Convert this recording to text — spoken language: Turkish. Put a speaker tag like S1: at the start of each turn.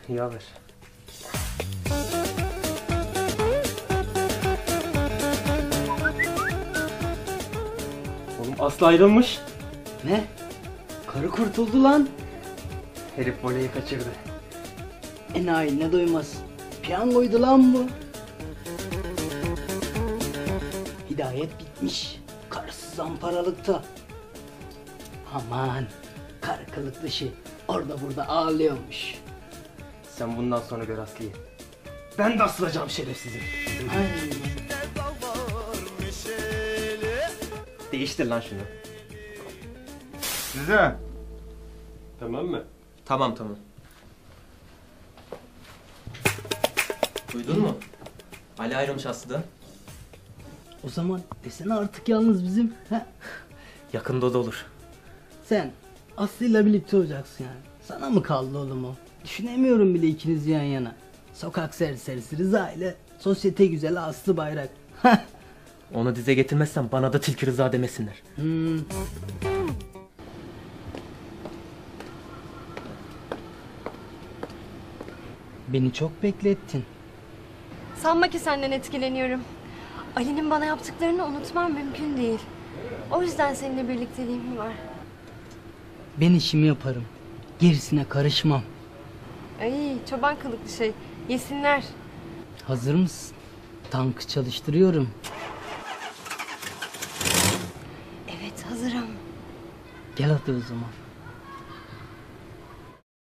S1: İyi haber. Oğlum Aslı ayrılmış.
S2: Ne? Karı kurtuldu lan.
S1: Herif voleyi kaçırdı.
S2: Enayi ne duymaz. Piyangoydu lan bu. Hidayet bitmiş. Karısı zamparalıkta. Aman. Karı kılık dışı. Orada burada ağlıyormuş.
S1: Sen bundan sonra gör Aslı'yı. Ben de asılacağım şerefsizim.
S2: Ay.
S1: Değiştir lan şunu.
S3: Size.
S1: Tamam mı?
S4: Tamam. Duydun mu? Ali ayrılmış Aslı'dan.
S2: O zaman desene artık yalnız bizim. He?
S4: Yakında da olur.
S2: Sen Aslı'yla birlikte olacaksın yani. Sana mı kaldı oğlum o? Düşünemiyorum bile ikiniz yan yana. Sokak serserisi Rıza ile sosyete güzeli Aslı Bayrak.
S4: Onu dize getirmezsen bana da Tilki Rıza demesinler.
S2: Beni çok beklettin.
S5: Sanma ki senden etkileniyorum. Ali'nin bana yaptıklarını unutmam mümkün değil. O yüzden seninle birlikteliğim var.
S2: Ben işimi yaparım. Gerisine karışmam.
S5: Ay çoban kılıklı şey. Yesinler.
S2: Hazır mısın? Tankı çalıştırıyorum.
S5: Evet hazırım.
S2: Gel hadi o zaman.